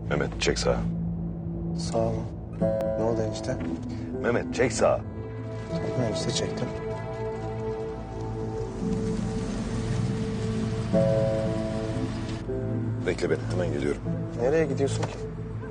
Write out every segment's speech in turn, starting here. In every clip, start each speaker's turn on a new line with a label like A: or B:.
A: Mehmet çek sağa.
B: Sağ ol. Ne oldu enişte?
A: Mehmet çek sağa.
B: Tamam enişte çektim.
A: Bekle beni, hemen geliyorum.
B: Nereye gidiyorsun ki?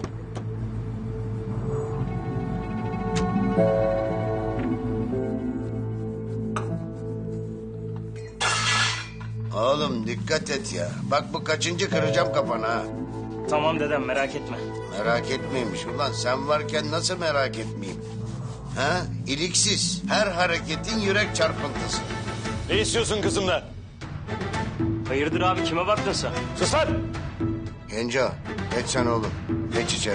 C: Oğlum dikkat et ya. Bak bu kaçıncı kıracağım kafanı ha.
D: Tamam dedem merak etme.
C: Merak etmeymiş ulan. Sen varken nasıl merak etmeyeyim? Ha? İliksiz. Her hareketin yürek çarpıntısı.
A: Ne istiyorsun kızımdan?
D: Hayırdır abi kime baktın sen?
A: Sus lan!
C: Genco geç sen oğlum. Geç içeri.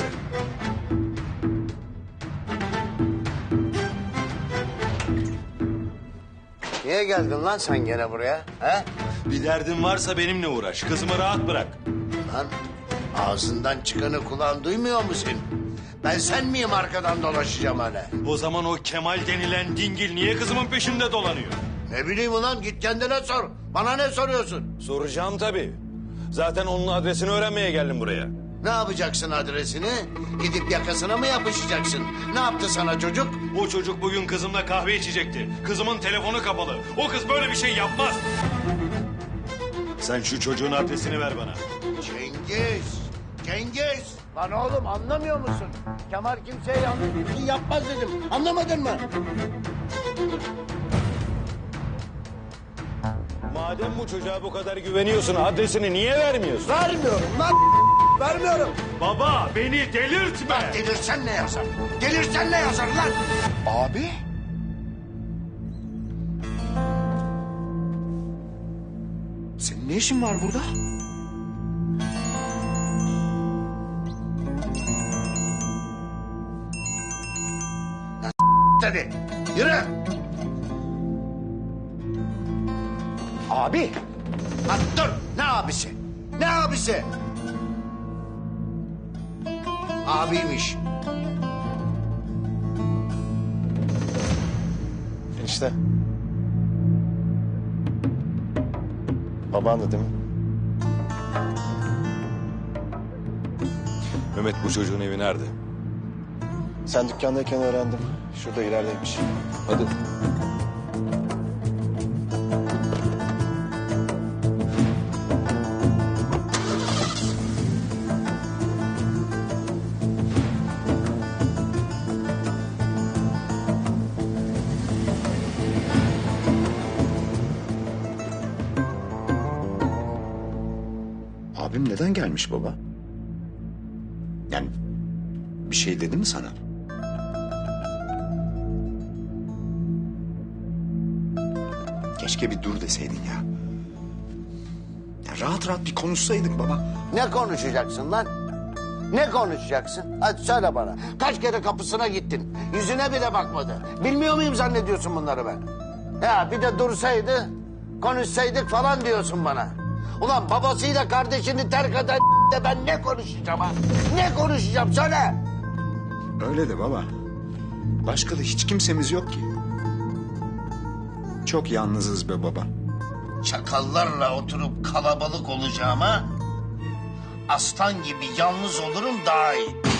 C: Niye geldin lan sen gene buraya? He?
A: Bir derdin varsa benimle uğraş. Kızımı rahat bırak.
C: Lan ağzından çıkanı kulağın duymuyor mu senin? Ben sen miyim arkadan dolaşacağım hala?
A: O zaman o Kemal denilen dingil niye kızımın peşinde dolanıyor?
C: Ne bileyim ulan git kendine sor. Bana ne soruyorsun?
A: Soracağım tabii. Zaten onun adresini öğrenmeye geldim buraya.
C: Ne yapacaksın adresini? Gidip yakasına mı yapışacaksın? Ne yaptı sana çocuk?
A: O çocuk bugün kızımla kahve içecekti. Kızımın telefonu kapalı. O kız böyle bir şey yapmaz. Sen şu çocuğun adresini ver bana.
C: Cengiz! Cengiz! Lan oğlum anlamıyor musun? Kemal kimseye yanlış bir şey yapmaz dedim. Anlamadın mı?
A: Madem bu çocuğa bu kadar güveniyorsun adresini niye vermiyorsun?
C: Vermiyorum lan! Vermiyorum!
A: Baba beni delirtme.
C: Delirsen ne yazar? Delirsen ne yazar lan?
E: Abi? Senin ne işin var burada?
C: Hadi yürü!
E: Abi!
C: Lan dur! Ne abisi? Ne abisi? Abiymiş.
B: Enişte. Babandı değil mi?
A: Mehmet bu çocuğun evi nerede?
B: Sen dükkandayken öğrendim. Şurada ilerideymiş.
A: Hadi.
E: Abim neden gelmiş baba? Yani bir şey dedi mi sana? Keşke bir dur deseydin ya. Ya rahat rahat bir konuşsaydık baba.
C: Ne konuşacaksın lan? Ne konuşacaksın? Hadi söyle bana. Kaç kere kapısına gittin? Yüzüne bile bakmadı. Bilmiyor muyum zannediyorsun bunları ben? Ya bir de dursaydı, konuşsaydık falan diyorsun bana. Ulan babasıyla kardeşini terk eden de ben ne konuşacağım ha? Ne konuşacağım söyle.
E: Öyle de baba. Başka da hiç kimsemiz yok ki. Çok yalnızız be baba.
C: Çakallarla oturup kalabalık olacağıma aslan gibi yalnız olurum daha iyi.